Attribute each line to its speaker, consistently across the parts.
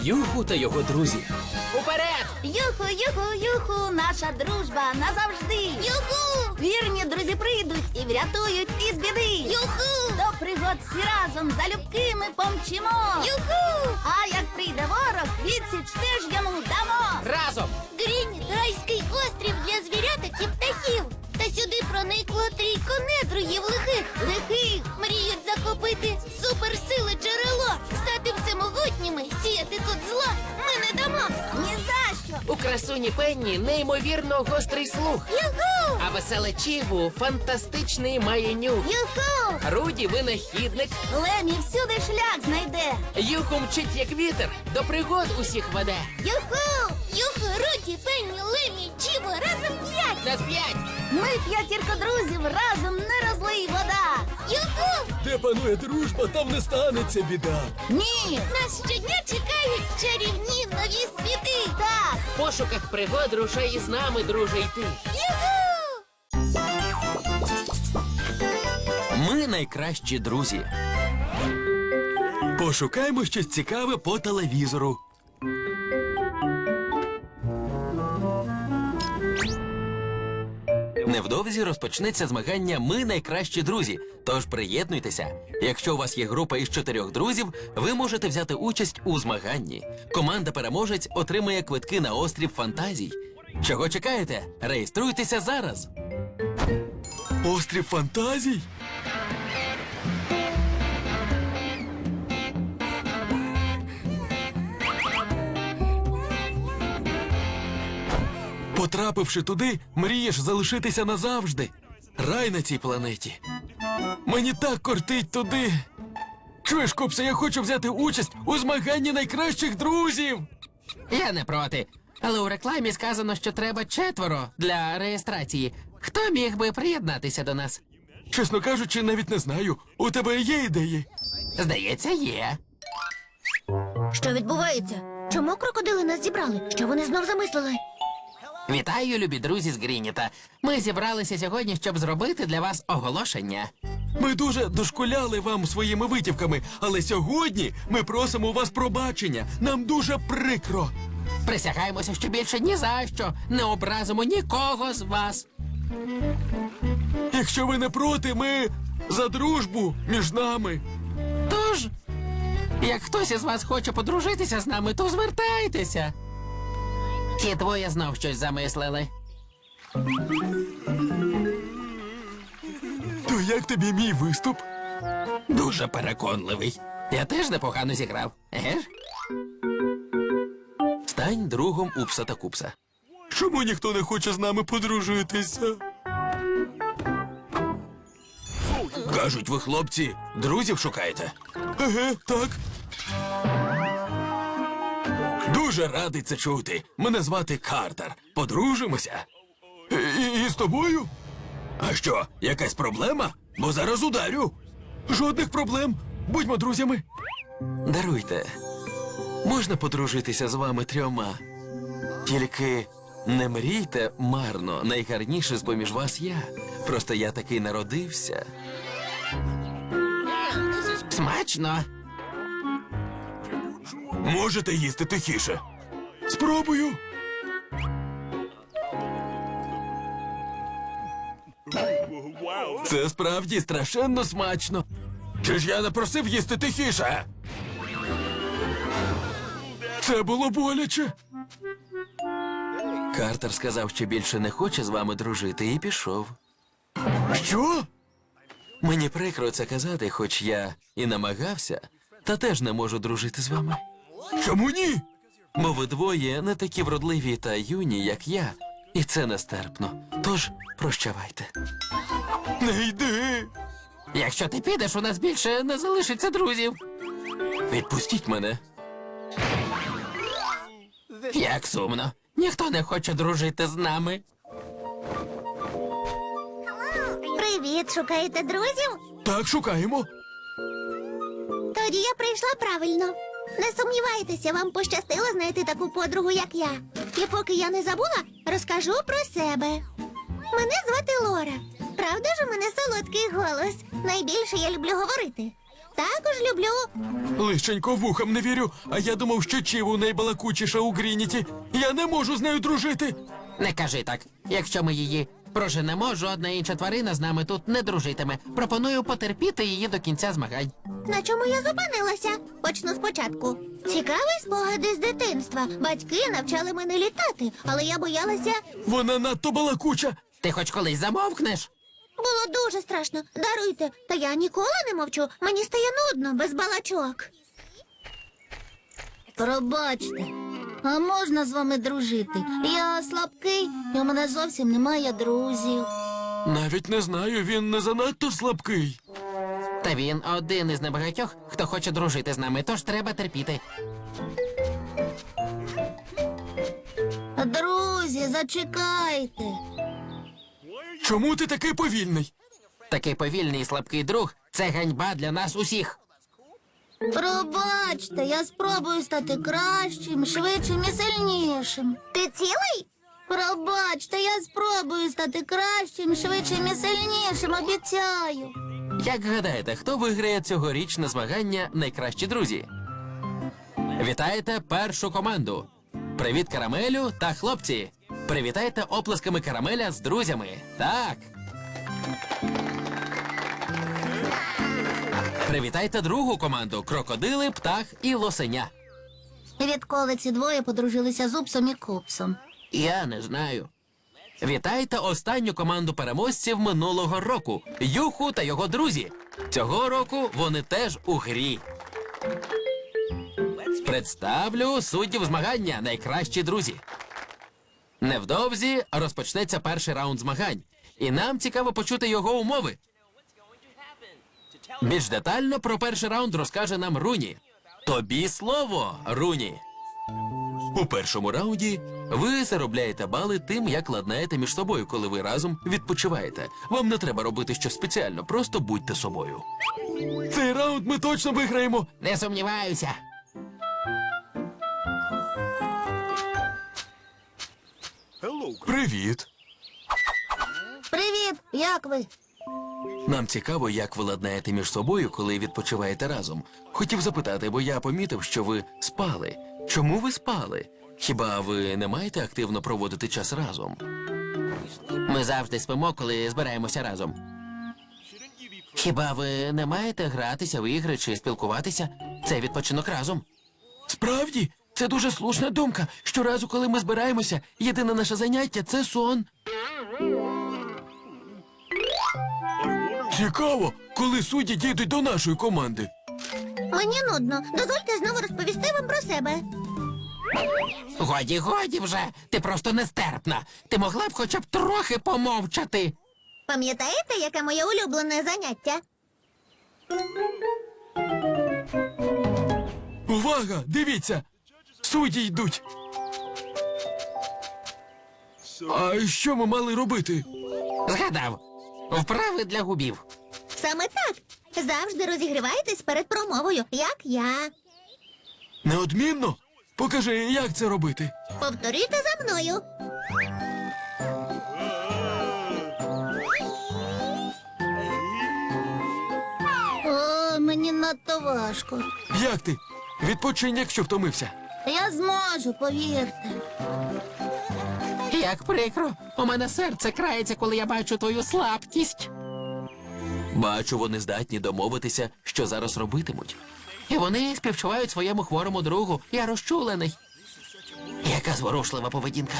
Speaker 1: Юху та його друзі.
Speaker 2: Уперед!
Speaker 3: Юху, юху, юху, наша дружба назавжди. Юху! Вірні друзі прийдуть і врятують із біди. Юху! До пригод всі разом залюбки ми помчимо. Юху! А як прийде ворог, відсіч теж йому дамо.
Speaker 1: Разом!
Speaker 4: Грінь – райський острів для звіряток і птахів. Та сюди проникло трійко недругів лихих. Мріють захопити суперсили джерело, стати всемогутніми, сіяти тут зло. Ми не дамо.
Speaker 3: Ні за що.
Speaker 2: У красуні Пенні неймовірно гострий слух.
Speaker 4: Юху!
Speaker 2: А веселе Чіву фантастичний має нюх.
Speaker 3: Юху!
Speaker 2: Руді винахідник.
Speaker 3: Лемі всюди шлях знайде.
Speaker 2: Юху мчить як вітер, до пригод усіх веде.
Speaker 3: Юху!
Speaker 4: Юху, Руді, Пенні, Лемі, Чіво, разом 5!
Speaker 2: На 5!
Speaker 3: Ми п'ятірка друзів, разом не розлий вода.
Speaker 4: Юху!
Speaker 1: Де панує дружба, там не станеться біда.
Speaker 3: Ні!
Speaker 4: Нас щодня чекають чарівні нові світи!
Speaker 3: Так!
Speaker 2: В пошуках пригод рушай із нами, друже, йти.
Speaker 4: Юху!
Speaker 1: Ми найкращі друзі. Пошукаймо щось цікаве по телевізору. Невдовзі розпочнеться змагання «Ми найкращі друзі», тож приєднуйтеся. Якщо у вас є група із 4 друзів, ви можете взяти участь у змаганні. Команда-переможець отримує квитки на острів фантазій. Чого чекаєте? Реєструйтеся зараз. Острів фантазій? Потрапивши туди, мрієш залишитися назавжди. Рай на цій планеті. Мені так кортить туди. Чуєш, Купсе, я хочу взяти участь у змаганні найкращих друзів.
Speaker 2: Я не проти. Але у рекламі сказано, що треба 4 для реєстрації. Хто міг би приєднатися до нас?
Speaker 1: Чесно кажучи, навіть не знаю. У тебе є ідеї?
Speaker 2: Здається, є.
Speaker 4: Що відбувається? Чому крокодили нас зібрали? Що вони знов замислили?
Speaker 2: Вітаю, любі друзі з Грініта. Ми зібралися сьогодні, щоб зробити для вас оголошення.
Speaker 1: Ми дуже дошкуляли вам своїми витівками, але сьогодні ми просимо у вас пробачення. Нам дуже прикро.
Speaker 2: Присягаємося, що більше ні за що не образимо нікого з вас.
Speaker 1: Якщо ви не проти, ми за дружбу між нами.
Speaker 2: Тож, як хтось із вас хоче подружитися з нами, то звертайтеся. Ті двоє знов щось замислили.
Speaker 1: То як тобі мій виступ?
Speaker 2: Дуже переконливий. Я теж непогано зіграв. Еге ж?
Speaker 1: Стань другом Упса та Купса. Чому ніхто не хоче з нами подружитися? Кажуть, ви, хлопці, друзів шукаєте? Еге, так. Дуже радий це чути. Мене звати Картер. Подружимося. І з тобою? А що, якась проблема? Бо зараз ударю. Жодних проблем. Будьмо друзями. Даруйте. Можна подружитися з вами 3. Тільки не мрійте марно. Найгарніше з-поміж вас я. Просто я такий народився.
Speaker 2: Смачно.
Speaker 1: Можете їсти тихіше. Спробую. Це справді страшенно смачно. Чи ж я не просив їсти тихіше? Це було боляче. Картер сказав, що більше не хоче з вами дружити, і пішов. Що? Мені прикро це казати, хоч я і намагався, та теж не можу дружити з вами. Чому ні? Бо ви двоє не такі вродливі та юні, як я, і це нестерпно. Тож прощавайте. Не йди!
Speaker 2: Якщо ти підеш, у нас більше не залишиться друзів.
Speaker 1: Відпустіть мене.
Speaker 2: Як сумно. Ніхто не хоче дружити з нами.
Speaker 4: Привіт, шукаєте друзів?
Speaker 1: Так, шукаємо.
Speaker 4: Тоді я прийшла правильно. Не сумнівайтеся, вам пощастило знайти таку подругу, як я. І поки я не забула, розкажу про себе. Мене звати Лора. Правда ж у мене солодкий голос? Найбільше я люблю говорити. Також люблю.
Speaker 1: Лишенько вухам не вірю, а я думав, що Чіву найбалакучіша у Грініті. Я не можу з нею дружити.
Speaker 2: Не кажи так. Якщо ми її проженемо, жодна інша тварина з нами тут не дружитиме. Пропоную потерпіти її до кінця змагань.
Speaker 4: На чому я зупинилася? Почну спочатку. Цікаві спогади з дитинства. Батьки навчали мене літати, але я боялася.
Speaker 1: Вона надто балакуча.
Speaker 2: Ти хоч колись замовкнеш?
Speaker 4: Було дуже страшно. Даруйте. Та я ніколи не мовчу. Мені стає нудно без балачок.
Speaker 3: Пробачте, а можна з вами дружити? Я слабкий, і у мене зовсім немає друзів.
Speaker 1: Навіть не знаю, він не занадто слабкий.
Speaker 2: Та він один із небагатьох, хто хоче дружити з нами, тож треба терпіти.
Speaker 3: Друзі, зачекайте.
Speaker 1: Чому ти такий повільний?
Speaker 2: Такий повільний і слабкий друг – це ганьба для нас усіх.
Speaker 3: Пробачте, я спробую стати кращим, швидшим і сильнішим.
Speaker 4: Ти цілий?
Speaker 3: Пробачте, я спробую стати кращим, швидшим і сильнішим, обіцяю.
Speaker 2: Як гадаєте, хто виграє цьогорічне змагання «Найкращі друзі»? Вітаєте першу команду. Привіт, Карамелю та хлопці. Привітайте оплесками Карамеля з друзями. Так. Привітайте другу команду Крокодили, Птах і Лосеня.
Speaker 3: Відколи ці двоє подружилися з Упсом і Купсом.
Speaker 2: Я не знаю. Вітайте останню команду переможців минулого року Юху та його друзі. Цього року вони теж у грі. Представлю суддів змагання «Найкращі друзі». Невдовзі розпочнеться перший раунд змагань, і нам цікаво почути його умови. Більш детально про перший раунд розкаже нам Руні. Тобі слово, Руні. У першому раунді ви заробляєте бали тим, як ладнаєте між собою, коли ви разом відпочиваєте. Вам не треба робити щось спеціально, просто будьте собою.
Speaker 1: Цей раунд ми точно виграємо.
Speaker 2: Не сумніваюся.
Speaker 1: Привіт.
Speaker 3: Привіт, як ви?
Speaker 1: Нам цікаво, як ви ладнаєте між собою, коли відпочиваєте разом. Хотів запитати, бо я помітив, що ви спали. Чому ви спали? Хіба ви не маєте активно проводити час разом?
Speaker 2: Ми завжди спимо, коли збираємося разом. Хіба ви не маєте гратися в ігри чи спілкуватися? Це відпочинок разом.
Speaker 1: Справді, це дуже слушна думка. Щоразу, коли ми збираємося, єдине наше заняття – це сон. Цікаво, коли судді дійдуть до нашої команди.
Speaker 4: Мені нудно. Дозвольте знову розповісти вам про себе.
Speaker 2: Годі, годі вже. Ти просто нестерпна. Ти могла б хоча б трохи помовчати.
Speaker 4: Пам'ятаєте, яке моє улюблене заняття?
Speaker 1: Увага! Дивіться! Судді йдуть. А що ми мали робити?
Speaker 2: Згадав. Вправи для губів.
Speaker 4: Саме так. Завжди розігрівайтесь перед промовою, як я.
Speaker 1: Неодмінно? Покажи, як це робити.
Speaker 4: Повторюйте за мною.
Speaker 3: О, мені надто важко.
Speaker 1: Як ти? Відпочинь, якщо втомився.
Speaker 3: Я зможу, повірте.
Speaker 2: Як прикро. У мене серце крається, коли я бачу твою слабкість.
Speaker 1: Бачу, вони здатні домовитися, що зараз робитимуть.
Speaker 2: І вони співчувають своєму хворому другу. Я розчулений. Яка зворушлива поведінка.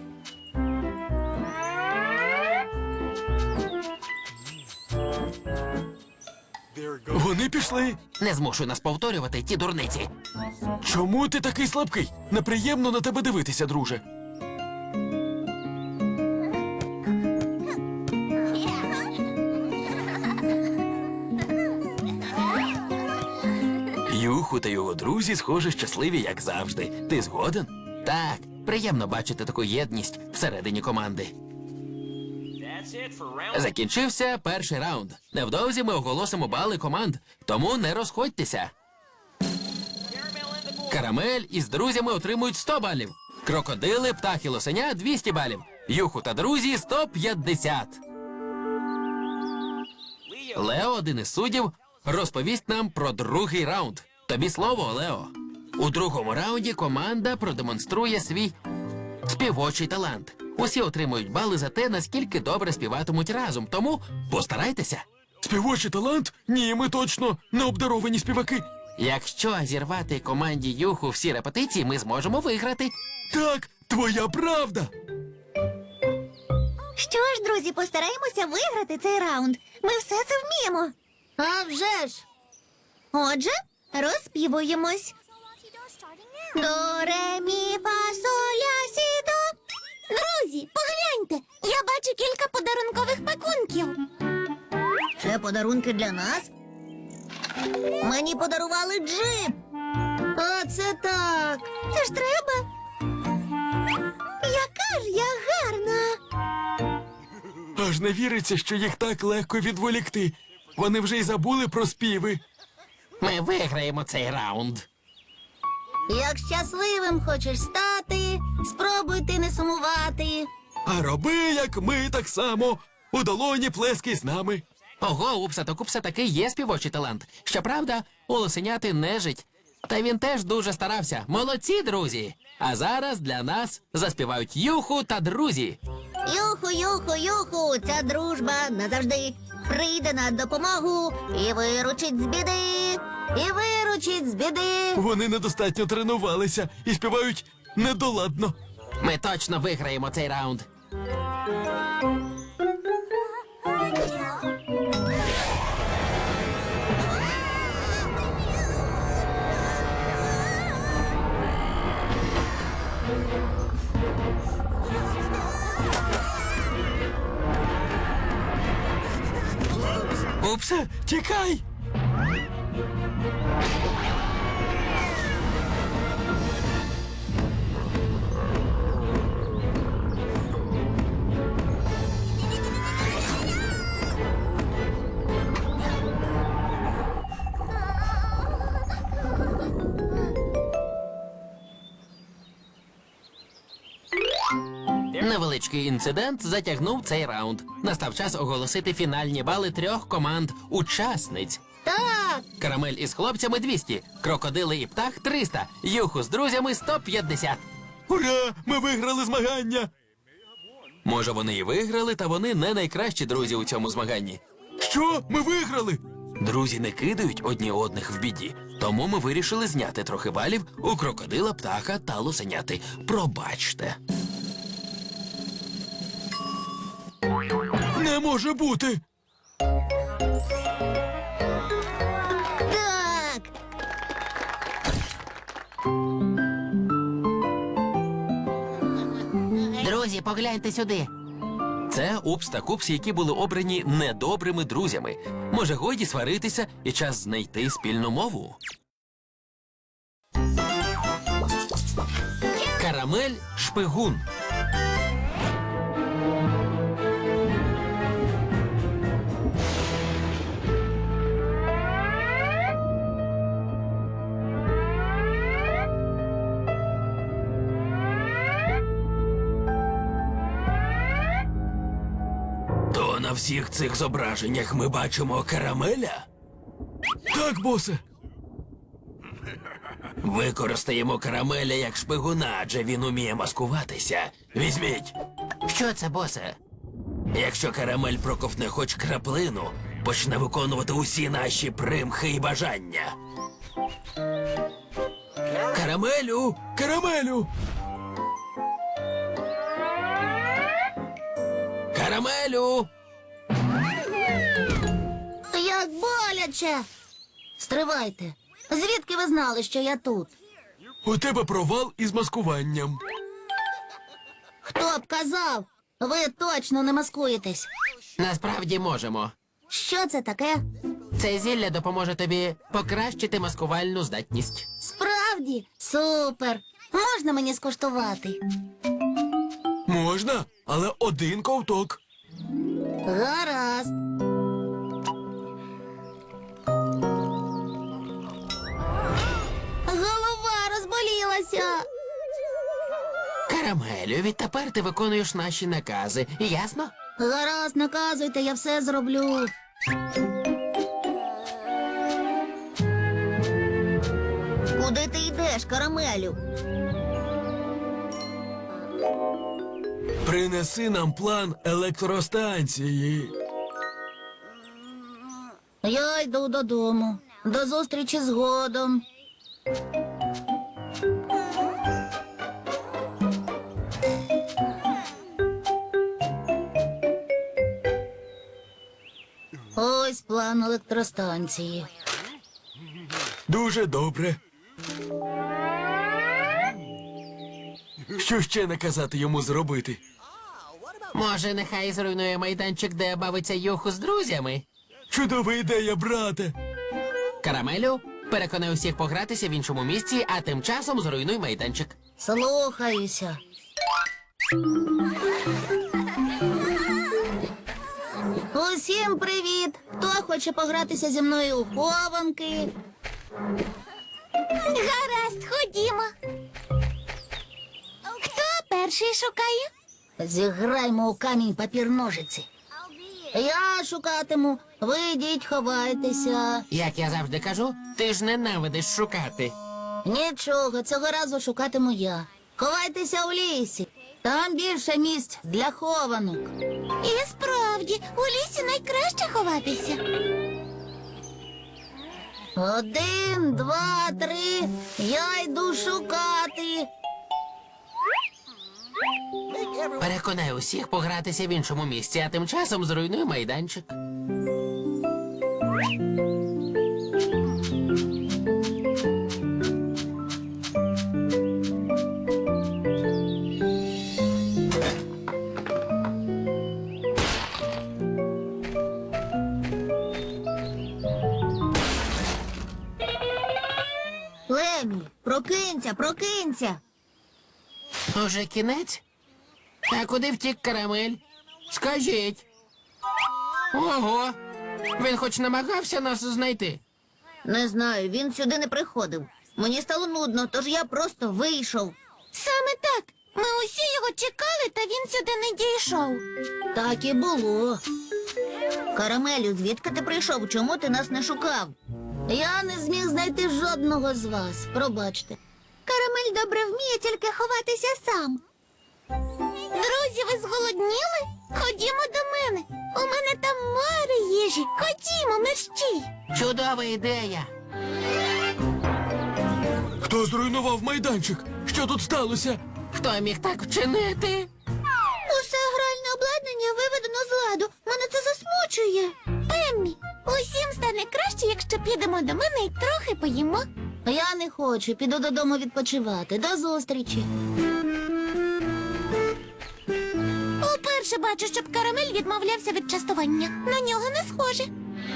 Speaker 1: Вони пішли.
Speaker 2: Не змушуй нас повторювати ті дурниці.
Speaker 1: Чому ти такий слабкий? Неприємно на тебе дивитися, друже. Юху та його друзі, схоже, щасливі, як завжди. Ти згоден?
Speaker 2: Так, приємно бачити таку єдність всередині команди. Закінчився перший раунд. Невдовзі ми оголосимо бали команд, тому не розходьтеся. Карамель із друзями отримують 100 балів. Крокодили, Птах і Лосеня – 200 балів. Юху та друзі – 150. Лео, один із суддів, розповість нам про другий раунд. Тобі слово, Лео. У другому раунді команда продемонструє свій співочий талант. Усі отримують бали за те, наскільки добре співатимуть разом, тому постарайтеся.
Speaker 1: Співочий талант? Ні, ми точно не обдаровані співаки.
Speaker 2: Якщо зірвати команді Юху всі репетиції, ми зможемо виграти.
Speaker 1: Так, твоя правда.
Speaker 4: Що ж, друзі, постараємося виграти цей раунд. Ми все це вміємо.
Speaker 3: А вже ж!
Speaker 4: Отже, розспівуємось. До, ре, мі, фа, соль, ля, сі, до. Друзі, погляньте, я бачу кілька подарункових пакунків.
Speaker 3: Це подарунки для нас? Мені подарували джип. Оце так.
Speaker 4: Це ж треба. Яка ж я гарна.
Speaker 1: Аж не віриться, що їх так легко відволікти. Вони вже й забули про співи.
Speaker 2: Ми виграємо цей раунд.
Speaker 3: Як щасливим хочеш стати, спробуй ти не сумувати.
Speaker 1: А роби, як ми, так само. У долоні плескай з нами.
Speaker 2: Ого, Упса та Купса таки є співочий талант. Щоправда, у лосеняти нежить. Та він теж дуже старався. Молодці, друзі! А зараз для нас заспівають Юху та друзі.
Speaker 3: Юху, юху, юху, ця дружба назавжди прийде на допомогу і виручить з біди, і виручить з біди.
Speaker 1: Вони недостатньо тренувалися і співають недоладно.
Speaker 2: Ми точно виграємо цей раунд.
Speaker 1: Упсе, тікай!
Speaker 2: Невеличкий інцидент затягнув цей раунд. Настав час оголосити фінальні бали 3 команд-учасниць.
Speaker 3: Так,
Speaker 2: Карамель із хлопцями 200, крокодили і птах 300, Юху з друзями 150.
Speaker 1: Ура! Ми виграли змагання!
Speaker 2: Може, вони і виграли, та вони не найкращі друзі у цьому змаганні.
Speaker 1: Що? Ми виграли?
Speaker 2: Друзі не кидають одні одних в біді, тому ми вирішили зняти трохи балів у крокодила, птаха та лосеняти. Пробачте.
Speaker 1: Не може бути!
Speaker 3: так.
Speaker 2: Друзі, погляньте сюди. Це Упс та Купс, які були обрані недобрими друзями. Може, годі сваритися і час знайти спільну мову. Карамель шпигун.
Speaker 1: То на всіх цих зображеннях ми бачимо карамеля? Так, босе.
Speaker 2: Використаємо карамеля як шпигуна, адже він уміє маскуватися.
Speaker 1: Візьміть.
Speaker 2: Що це, босе?
Speaker 1: Якщо карамель проковтне хоч краплину, почне виконувати усі наші примхи і бажання. Карамелю! Карамелю!
Speaker 2: Карамелю!
Speaker 3: Як боляче. Стривайте. Звідки ви знали, що я тут?
Speaker 1: У тебе провал із маскуванням.
Speaker 3: Хто б казав? Ви точно не маскуєтесь.
Speaker 2: Насправді можемо.
Speaker 3: Що це таке?
Speaker 2: Це зілля допоможе тобі покращити маскувальну здатність.
Speaker 3: Справді? Супер. Можна мені скуштувати?
Speaker 1: Можна, але один ковток.
Speaker 3: Гаразд. Голова розболілася.
Speaker 2: Карамелю, відтепер ти виконуєш наші накази. Ясно?
Speaker 3: Гаразд, наказуйте, я все зроблю. живеш, Карамелю?
Speaker 1: Принеси нам план електростанції.
Speaker 3: Я йду додому. До зустрічі згодом. Ось план електростанції.
Speaker 1: Дуже добре. Що ще наказати йому зробити?
Speaker 2: Може, нехай зруйнує майданчик, де бавиться Юху з друзями?
Speaker 1: Чудова ідея, брате.
Speaker 2: Карамелю, переконай усіх погратися в іншому місці, а тим часом зруйнуй майданчик.
Speaker 3: Слухаюся. Усім привіт! Хто хоче погратися зі мною у хованки?
Speaker 4: Гаразд, ходімо. Хто перший шукає?
Speaker 3: Зіграймо у камінь папір ножиці. Я шукатиму, ви йдіть, ховайтеся.
Speaker 2: Як я завжди кажу, ти ж ненавидиш шукати.
Speaker 3: Нічого, цього разу шукатиму я. Ховайтеся у лісі. Там більше місць для хованок.
Speaker 4: І справді, у лісі найкраще ховатися.
Speaker 3: 1, 2, 3. Я йду шукати.
Speaker 2: Переконай усіх погратися в іншому місці, а тим часом зруйнуй майданчик.
Speaker 3: Лемі, прокинься, прокинься.
Speaker 2: Уже кінець? А куди втік Карамель? Скажіть. Ого! Він хоч намагався нас знайти.
Speaker 3: Не знаю, він сюди не приходив. Мені стало нудно, тож я просто вийшов.
Speaker 4: Саме так. Ми усі його чекали, та він сюди не дійшов.
Speaker 3: Так і було. Карамелю, звідки ти прийшов? Чому ти нас не шукав? Я не зміг знайти жодного з вас. Пробачте.
Speaker 4: Карамель добре вміє тільки ховатися сам. Друзі, ви зголодніли? Ходімо до мене. У мене там море їжі. Ходімо, мерщій.
Speaker 2: Чудова ідея.
Speaker 1: Хто зруйнував майданчик? Що тут сталося?
Speaker 2: Хто міг так вчинити?
Speaker 4: Усе гральне обладнання виведено з ладу. Мене це засмучує. Пеммі, усім стане краще, якщо підемо до мене і трохи поїмо.
Speaker 3: Я не хочу, піду додому відпочивати. До зустрічі.
Speaker 4: Уперше бачу, щоб Карамель відмовлявся від частування. На нього не схоже.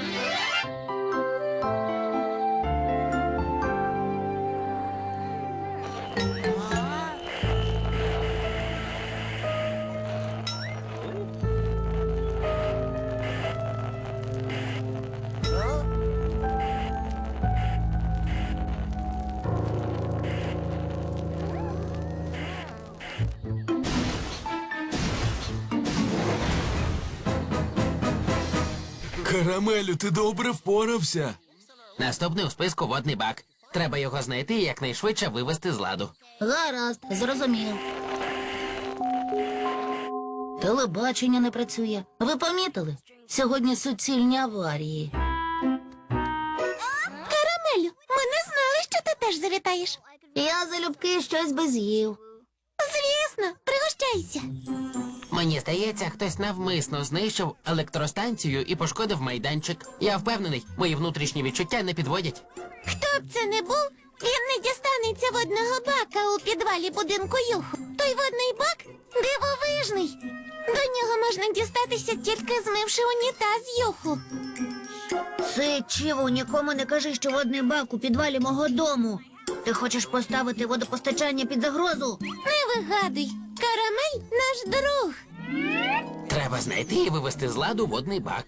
Speaker 1: Карамелю, ти добре впорався.
Speaker 2: Наступний у списку водний бак. Треба його знайти і якнайшвидше вивести з ладу.
Speaker 3: Гаразд, зрозумів. Телебачення не працює. Ви помітили? Сьогодні суцільні аварії.
Speaker 4: Карамелю, ми не знали, що ти теж завітаєш.
Speaker 3: Я залюбки щось би з'їв.
Speaker 4: Звісно, пригощайся.
Speaker 2: Мені здається, хтось навмисно знищив електростанцію і пошкодив майданчик. Я впевнений, мої внутрішні відчуття не підводять.
Speaker 4: Хто б це не був, він не дістанеться водного бака у підвалі будинку Юху. Той водний бак дивовижний. До нього можна дістатися, тільки змивши унітаз Юху.
Speaker 3: Це чиво, нікому не кажи, що водний бак у підвалі мого дому. Ти хочеш поставити водопостачання під загрозу?
Speaker 4: Не вигадуй, Карамель наш друг.
Speaker 2: Треба знайти і вивести з ладу водний бак.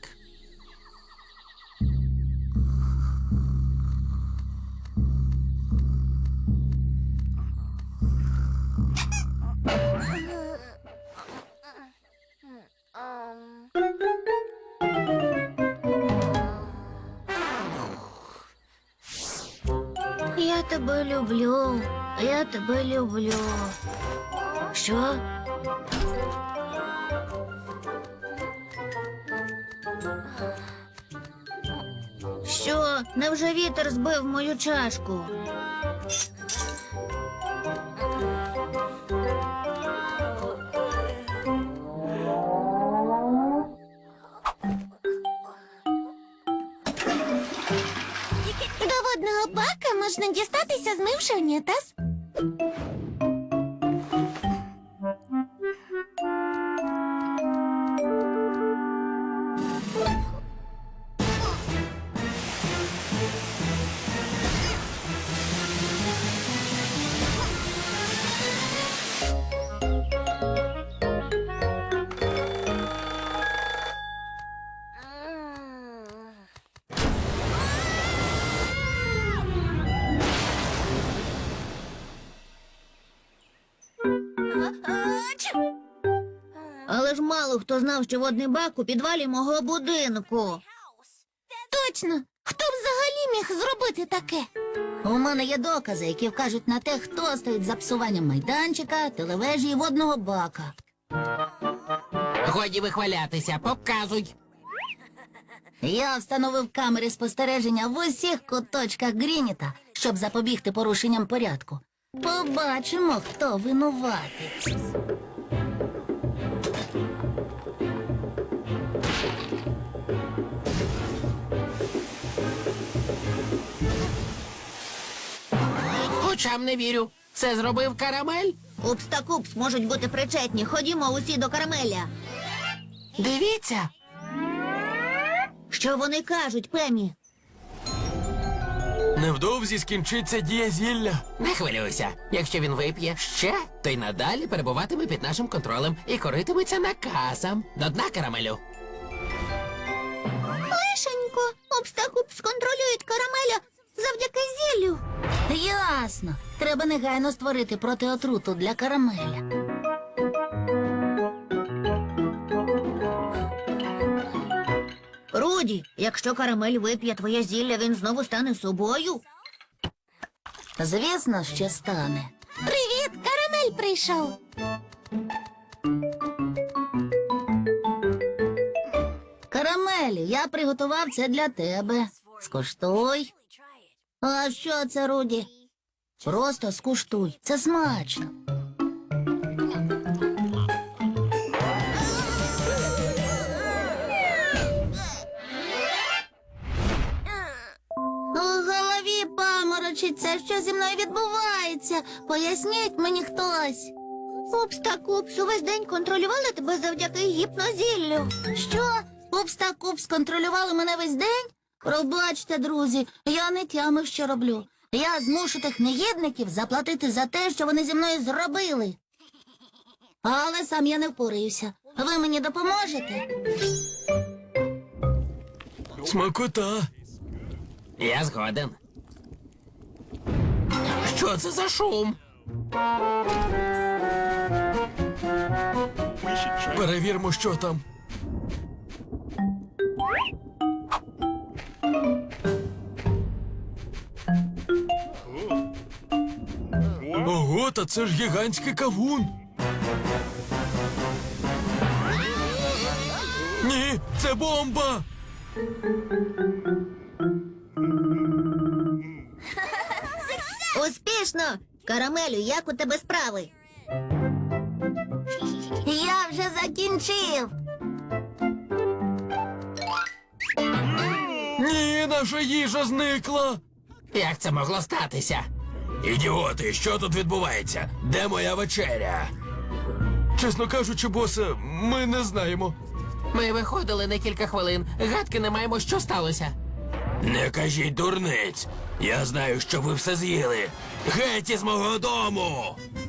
Speaker 3: Я тебе люблю. Я тебе люблю. Що? Що? Невже вітер збив мою чашку?
Speaker 4: До водного бака можна дістатися, змивши унітаз.
Speaker 3: Але ж мало хто знав, що водний бак у підвалі мого будинку.
Speaker 4: Точно! Хто б взагалі міг зробити таке?
Speaker 3: У мене є докази, які вкажуть на те, хто стоїть за псуванням майданчика, телевежі і водного бака.
Speaker 2: Годі вихвалятися, показуй.
Speaker 3: Я встановив камери спостереження в усіх куточках Грініта, щоб запобігти порушенням порядку. Побачимо, хто винуватець.
Speaker 2: Очам не вірю. Це зробив Карамель?
Speaker 3: Упс та купс можуть бути причетні. Ходімо усі до Карамеля.
Speaker 2: Дивіться.
Speaker 3: Що вони кажуть, Пемі?
Speaker 1: Невдовзі скінчиться дія зілля.
Speaker 2: Не хвилюйся. Якщо він вип'є ще, то й надалі перебуватиме під нашим контролем і коритиметься наказом. До дна, Карамелю.
Speaker 3: Лишенько, Упс та купс контролюють Карамеля завдяки зіллю. Ясно. Треба негайно створити протиотруту для Карамеля. Руді, якщо Карамель вип'є твоє зілля, він знову стане собою? Звісно, що стане.
Speaker 4: Привіт, Карамель прийшов.
Speaker 3: Карамелю, я приготував це для тебе. Скуштуй. А що це, Руді? Просто скуштуй. Це смачно. У голові паморочиться. Що зі мною відбувається? Поясніть мені хтось. Упс та Купс увесь день контролювали тебе завдяки гіпнозіллю. Що? Упс та Купс контролювали мене весь день? Пробачте, друзі, я не тямив, що роблю. Я змушу тих негідників заплатити за те, що вони зі мною зробили. Але сам я не впораюся. Ви мені допоможете?
Speaker 1: Смакота.
Speaker 2: Я згоден. Що це за шум?
Speaker 1: Перевірмо, що там. Ого, та це ж гігантський кавун. Ні, це бомба.
Speaker 3: Успішно! Карамелю, як у тебе справи? Я вже закінчив.
Speaker 1: Ні, наша їжа зникла.
Speaker 2: Як це могло статися?
Speaker 1: Ідіоти, що тут відбувається? Де моя вечеря? Чесно кажучи, босе, ми не знаємо.
Speaker 2: Ми виходили на кілька хвилин. Гадки не маємо, що сталося.
Speaker 1: Не кажіть дурниць. Я знаю, що ви все з'їли. Геть із мого дому!